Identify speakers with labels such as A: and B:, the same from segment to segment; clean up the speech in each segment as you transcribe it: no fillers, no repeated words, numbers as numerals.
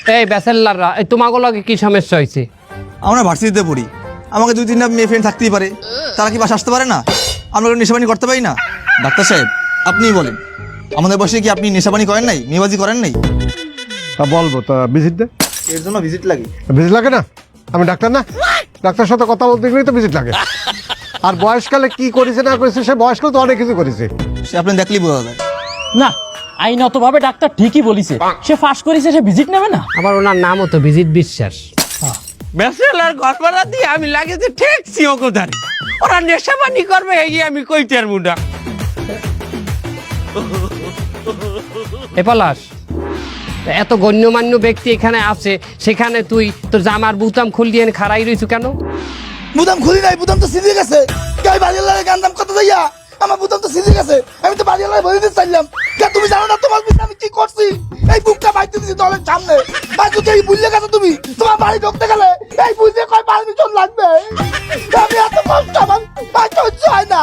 A: এই ব্যাচেলাররা, এই তোমাগো লগে কি সমস্যা হয়েছে?
B: আমরা ভার্সিটিতে পড়ি, আমাকে 2-3টা মেয়ে ফ্রেন্ড থাকতেই পারে, তারা কি বাসা আসতে পারে না? আমরা নেশাবানি করতে পারি না? ডাক্তার সাহেব আপনিই বলেন, আমাদের বয়সে কি আপনি নেশাবানি করেন নাই, মেয়েবাজি করেন নাই?
C: তা বলবো, তা ভিজিট দে।
B: এর জন্য ভিজিট লাগে?
C: ভিজিট লাগে না? আমি ডাক্তার না? ডাক্তার সাথে কথা বলতে গেলেই তো ভিজিট লাগে। আর বয়সকালে কি করেছে না করেছে, সে বয়সকালে তো অনেক কিছু করেছে।
B: সে আপনি দেখলেই বোঝা যায়।
D: না, আইনতভাবে ডাক্তার ঠিকই বলিছে, সে ফাঁস করেছে, সে ভিজিট নেবে না।
A: আবার ওনার নামও তো ভিজিট বিশ্বাস। ব্যাচেলার ঘর ভাড়া দিয়ে আমি লাগেছে ঠেকছি ওকোধারে, ওরা নেশাবানি করবে এই আমি কইতে আর মুডা। এ পলাশ, এত গণ্যমান্য ব্যক্তি এখানে আছে, সেখানে তুই তোর জামার বুতাম খুল দিয়ে খাড়াই রইছু কেন?
B: বুতাম খুলি নাই, বুতাম তো সিঁধে গেছে। গাই বাড়িওয়ালার গান দাম কত যাইয়া, আমার বুতাম তো সিঁধে গেছে। আমি তো বাড়িওয়ালার বলে দিতে চাইলাম। তুমি জানো না তোমার পিছনে আমি কি করছি? এই বুকটা বাইতে দিছি দলের সামনে। আর যদি এই বুঝলে গেছো তুমি, তোমার বাড়ি ঢুকতে গেলে এই বুঝলে কয় পারমিশন লাগবে? আমি এত কষ্ট আমার সহ্য হয় না।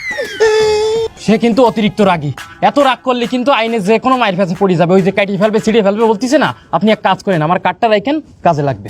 D: সে কিন্তু অতিরিক্ত রাগী, এত রাগ করলে কিন্তু আইনে যে কোনো মায়ের কাছে পড়ে যাবে। ওই যে কাটিয়ে ফেলবে, ছিঁড়ে ফেলবে বলতেছে না, আপনি এক কাজ করেন, আমার কার্ডটা রাখেন, কাজে লাগবে।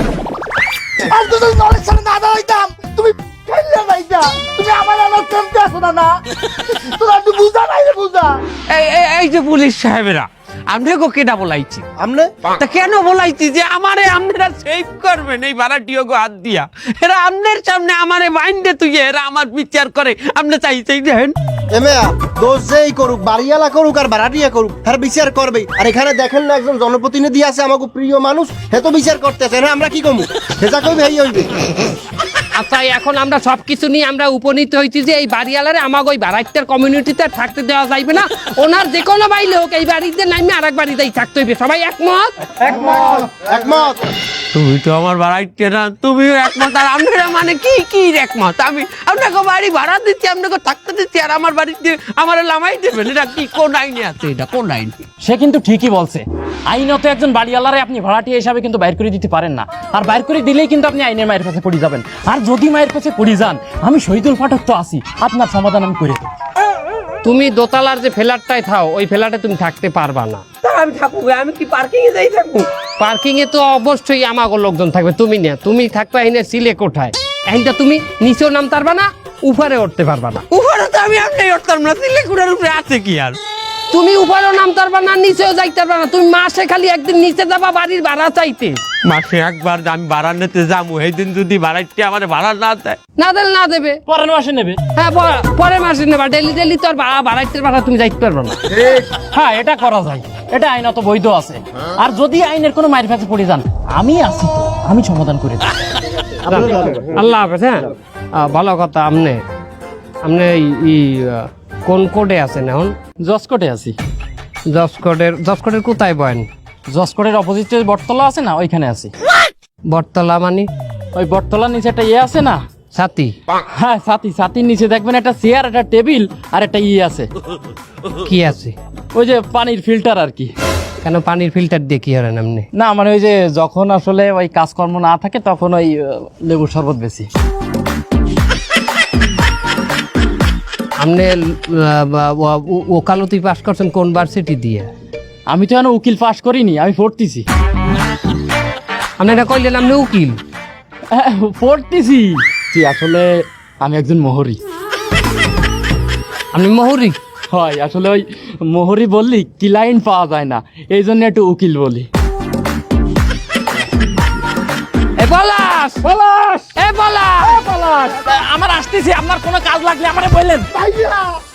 B: আর যদি দলের সামনে না দাঁড়াইতাম, তুমি ফেললে নাইতা। তুমি আমার আমার কেমতে আসো না? তোরা একটু বুঝা নাই রে, বুঝা।
A: এই যে পুলিশ সাহেবেরা, আমনে গো কেডা বলাইছি?
B: আমনে
A: তা কেন বলাইছি যে আমারে আপনারা সেভ করবেন এই ভাড়াটিও গো হাত দিয়া? এরা আমনের সামনে আমারে বাইন্দে তুই, এরা আমার বিচার করে, আপনি চাইছেই দেখেন।
E: এমেয়া দোষ যেই করুক, বাড়িওয়ালা করুক আর ভাড়াটিয়া করুক, হ্যাঁ বিচার করবেই। আর এখানে দেখেন না একজন জনপ্রতিনিধি আছে, আমাকে প্রিয় মানুষ, হে তো বিচার করতেছে। হ্যাঁ আমরা কি কমু, হেজা কইবে এই হইবে।
A: আচ্ছা, এখন আমরা সবকিছু নিয়ে আমরা উপনীত হয়েছি যে এই বাড়িওয়ালারে আমাকে ওই ভাড়াটিয়ার কমিউনিটিতে থাকতে দেওয়া যাইবে না। ওনার যে কোনো বাইলে হোক এই বাড়িতে নামে আর এক বাড়িতেই থাকতে হইবে। সবাই একমত?
E: একমত।
A: তুমি তো আমার বাড়াইতে না, তুমিও একমত। আর আপনারা মানে কি কি একমত? আমি আপনাকে বাড়ি ভাড়া দিচ্ছি, আপনাকে থাকতে দিচ্ছি, আর আমার বাড়িতে আমার লামাই দেবেন? এটা কি কোন আইনে আছে? এটা কোন আইন?
D: সে কিন্তু ঠিকই বলছে, আইনত একজন বাড়িওয়ালারে আপনি ভাড়াটিয়া হিসাবে কিন্তু বাইর করে দিতে পারেন না। আর বাইর করে দিলেই কিন্তু আপনি আইনের মায়ের কাছে পড়ে যাবেন। আর যদি মায়ের কাছে পড়ে যান, আমি শহীদুল পাঠক তো আছি, আপনার সমাধান আমি করে দেব।
A: তুমি দোতলার যে ফ্ল্যাটটায় থাও, ওই ফ্ল্যাটে তুমি থাকতে পারবা না। আমি থাকবো, আমি কি পার্কিং এ যাই থাকবো? পার্কিং এ তো অবশ্যই আমাগো লোকজন থাকবে, তুমি না। তুমি থাকবে এখানে সিলে কোঠায়, এখানটা তুমি নিচেও নামতে পারবা না, উপরে উঠতে পারবা না। উপরে তো আমি আপনি উঠতাম না, সিলে কোঠার উপরে আছে কি আর? তুমি উপরেও নামতে পারবা না, নিচেও যাইতে পারবা না। তুমি মাসে খালি একদিন নিচে যাবা বাড়ির ভাড়া চাইতে। মাসে একবার আমি ভাড়া নিতে যাবো, সেই দিন যদি ভাড়াইতে আমার ভাড়া না দেয়, না দিলে না দেবে,
D: পরের মাসে নেবে।
A: হ্যাঁ পরের মাসে নেবা। ডেলি ডেলি তো আর ভাড়াইতে ভাড়া তুমি যাইতে পারবা না।
D: হ্যাঁ, এটা করা যায়, এটা আইনত বৈধ আছে। আর যদি আইনের কোনো মায়ের কাছে পড়ে যান, আমি আছি তো, আমি সমাধান করে দেব।
A: আল্লাহ হাফেজ। হ্যাঁ, ভালো কথা। আপনি কোন কোডে আছেন এখন?
D: জসকোটে আছি।
A: জসকোটের কোথায় বয়েন?
D: জসকোটের অপোজিটে বটতলা আছে না, ওইখানে আছি।
A: বটতলা মানে?
D: ওই বটতলার নিচে একটা আছে না,
A: ছাতি?
D: হ্যাঁ ছাতির নিচে দেখবেন একটা চেয়ার, একটা টেবিল আর একটা আছে।
A: কি আছে?
D: ওই যে পানির ফিল্টার আর কি।
A: কেন পানির ফিল্টার দিয়ে কি হলেন আপনি?
D: না মানে ওই যে যখন আসলে ওই কাজকর্ম না থাকে, তখন ওই লেবুর শরবত বেশি।
A: আপনি ওকালতি পাস করছেন কোন ভার্সিটি দিয়ে?
D: আমি তো এখন উকিল পাস করিনি, আমি পড়তেছি।
A: আপনি এটা কইলেন আপনি উকিল?
D: পড়তেছি। আসলে আমি একজন মোহরি।
A: আপনি মোহরি?
D: হয়, আসলে ওই মোহরি বললি ক্লায়েন্ট পাওয়া যায় না, এই জন্য একটু উকিল বলি। আমার আসতেছি, আপনার কোনো কাজ লাগলে আমারে বললেন।